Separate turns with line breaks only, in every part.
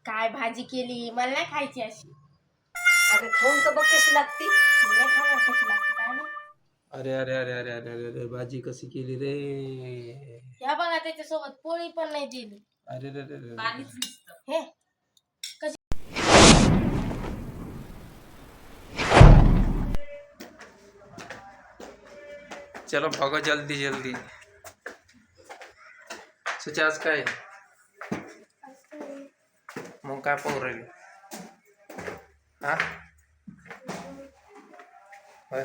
काय भाजी केली, मला नाही खायची अशी.
अगं खाऊन तर बघ कशी लागती.
नाही खाणार कशी लागते काय नाही.
अरे अरे अरे अरे अरे अरे अरे भाजी कशी केली रे.
ह्या बघा त्याच्यासोबत पोळी पण नाही दिली.
अरे रे रे रे.
पाणीच नुसतं.
हे
चलो भागो जल्दी जल्दी. सुचे आज काय मग काय पाहू राहिली हा होय.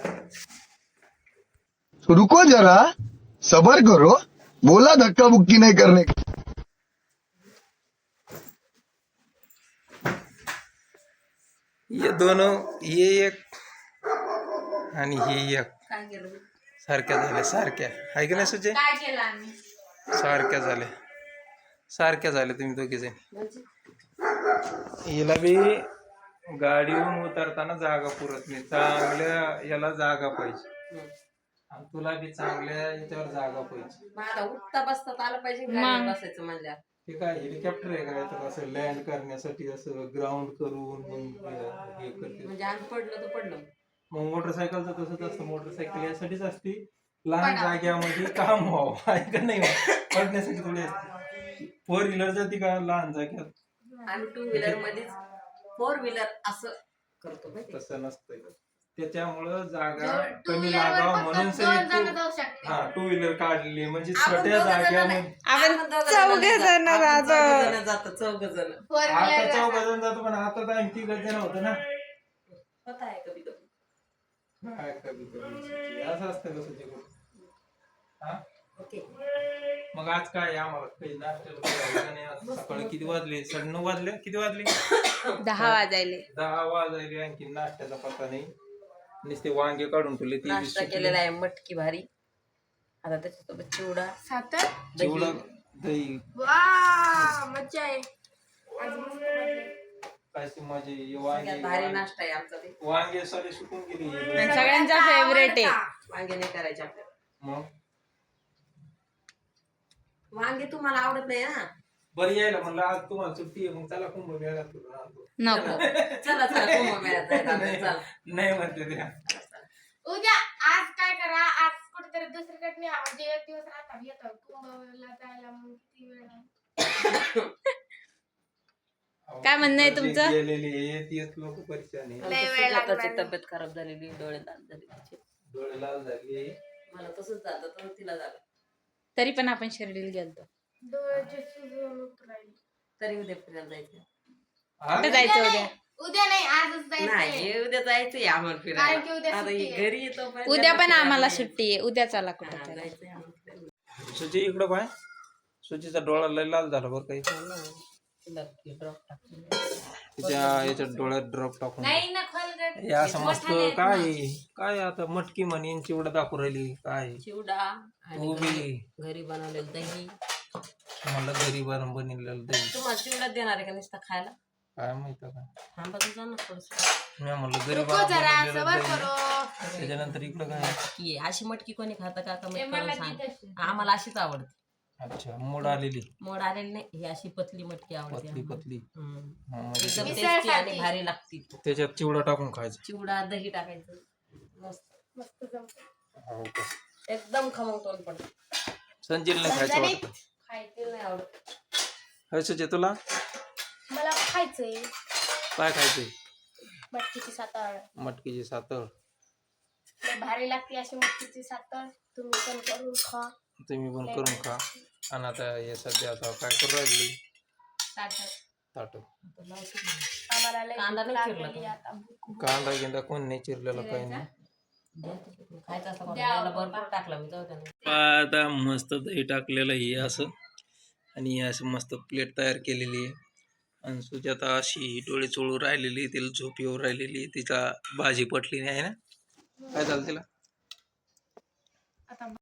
रुको जरा, सबर करो, बोला धक्का बुक्की नहीं करने का.
ये दोनों ये एक आणि ही एक
काय केलं
सारख्या झाल्या सारख्या आहे की नाही सुचे
काय केलं आम्ही?
सारख्या झाल्या तुम्ही दोघे जण.
म्हणजे
हिला बी गाडीवरून उतरताना जागा पुरत नाही. चांगल्या याला जागा पाहिजे आणि तुला बी चांगल्या याच्यावर जागा पाहिजे.
मग आता उठता बसता तर आलं पाहिजे गाडीवर बसायचं म्हणल्या.
ते काय हेलिकॉप्टर आहे का तर असं लँड करण्यासाठी असं ग्राउंड करून मग हे करते.
म्हणजे आम्ही पडलं तर पडलं.
मग मोटरसायकलचं तसंच असतं. मोटरसायकल यासाठीच असती लहान जाग्यामध्ये काम व्हावं आहे का नाही पडण्यासाठी थोडी असते. 4 व्हीलर जाते का लहान जाग्यात.
आम्ही 2 व्हीलर मध्येच 4 व्हीलर असं करतो माहिती.
तसं नसतंय. त्याच्यामुळं जागा
टू
कमी
व्हीलर
लागावं
वर
म्हणून
फक्त 2 जण
सगळी
जाऊ शकते.
2 व्हीलर काढली म्हणजे
आपण
छोट्या
दोघं जण
जाग्यामध्ये.
नाही. आपण चौघ जण जातो 4 जण.
फोर
आता
व्हीलर
4 जण जातो पण आता तर आणखी 3 जण होतं ना.
होत आहे कधी कधी.
काय कधी असं असतं कसं ते हा.
ओके.
मग आज काय आम्हाला काही नाश्त्याला करायचं नाही. आज सकाळी किती वाजले 9:30 वाजले. किती वाजले
10 वाजायले.
10 वाजले. आणखी नाश्त्याचा पत्ता नाही. नुसते वांगे काढून ठेवले ते
नाश्ता केलेला आहे मटकी भारी. आता त्याच्यासोबत चिवडा
सातर
चिवडा दही
वा मज्जा आहे. आज मस्त मजा आहे.
काय ती माझी
सगळ्यात भारी नाश्ता आहे आमचा ते.
वांगे सारे सुकून गेली.
सगळ्यांचा फेवरेट आहे.
वांगे नाही करायचे आपल्याला.
मग
वांगे तुम्हाला आवडत नाही ना.
बरं यायला म्हणलं आज तुम्हाला सुट्टी आहे मग चला कुंभमेळ्यात करून आणतो.
नको.
चला चला कुंभमेळ्यात जायचं आपण, चला.
नाही म्हणते त्या
उद्या आज काय करा, आज कुठेतरी दुसरीकडे न्या. म्हणजे एक दिवस राहता येतो कुंभला जायला. मग किती वेळ लागतो?
काय म्हणणं आहे तुमचं?
गेलेली तीच लोक परेशान आहे.
लय वेळ लागणार
सुजाताची
नाही.
तब्येत खराब झालेली, डोळे लाल झाले तिचे.
डोळे लाल झाले.
मला तसंच झालं तर तिला झालं.
तरी पण आपण शिर्डीला गेलतो.
डोळ्याचे सुजून उतरायले.
तरी उद्या फिरायला जायचं.
हा?
कुठे जायचं उद्या?
उद्या नाही आजच जायचं.
नाही उद्या जायचंय आम्हाला
कारण की उद्या
फिरायला. आता
सुट्टी
ही
आहे.
घरी येतो पण
उद्या पण
फिरायला
आम्हाला
नाही.
सुट्टी आहे. उद्या चला
हा,
कुठे
जायचंय आम्हाला फिरायला.
सुची इकडं पाय. सुचीचा डोळा लय लाल झाला बरं काही.
तिला ते drop टाकून.
तिच्या याच्यात डोळ्यात ड्रॉप टाकून
नाही ना खोलगट.
हे असं मस्त काय काय आता मटकी म्हणीन चिवडा दाखवू राहिली काय.
चिवडा आणि
तू बी
घरी बनवलेलं दही.
म्हणलं घरी बनवलेलं दही
तुम्हाला चिवडा देणार आहे का नुसता खायला?
काय माहित का.
थांबा तर जा ना थोडस.
मी म्हणलं घरी
रुको जरा
बनवलेलं
सबर
दही.
करो.
त्याच्यानंतर इकडं काय
की अशी मटकी कोणी खातं का कमी
मला
करून
ती
सांग.
तशी.
आम्हाला अशीच आवडते.
अच्छा मोड आलेली
मोड आलेली नाही, ही अशी पतली मटकी आवडते
पतली
आम्हाला.
पतली.
हम्म.
हा, म्हणजे
एकदम
मिसळसाठी.
टेस्टी आणि भारी लागती.
त्याच्यात चिवडा टाकून खायचं.
चिवडा दही टाकायचं मस्त
मस्त जमतं.
हो का.
एकदम खमंग तोंड पडत.
संजील नाही खायचं
संजनीत
वाटतं.
खायचं
नाही आवडत.
हर्षचे तुला
मला खायचंय
काय खायचंय.
मटकीची सातळ.
मटकीची सातळ.
लय भारी लागते अशी मटकीची सातळ. तुम्ही पण करून खा.
तुम्ही पण करून खा. आणि आता हे सध्या आता काय करू राहिली
सातळ.
ताट.
आम्हाला लय
कांदा
भूक
नाही चिरला
लागलेली
का?
आता. भूक.
कांदा गिंदा कोण नाही चिरलेला काही नाही.
खायचं असं कोणाला? त्याला भरपूर टाकला मी जाऊ त्याने.
आता मस्त दही टाकलेलं हे असं आणि असं मस्त प्लेट तयार केलेली आहे. आणि सुजाता अशी डोळे चोळू राहिलेली. तिला झोप येऊ राहिलेली. तिचा भाजी पटली नाही आहे ना. काय झालं तिला.
आता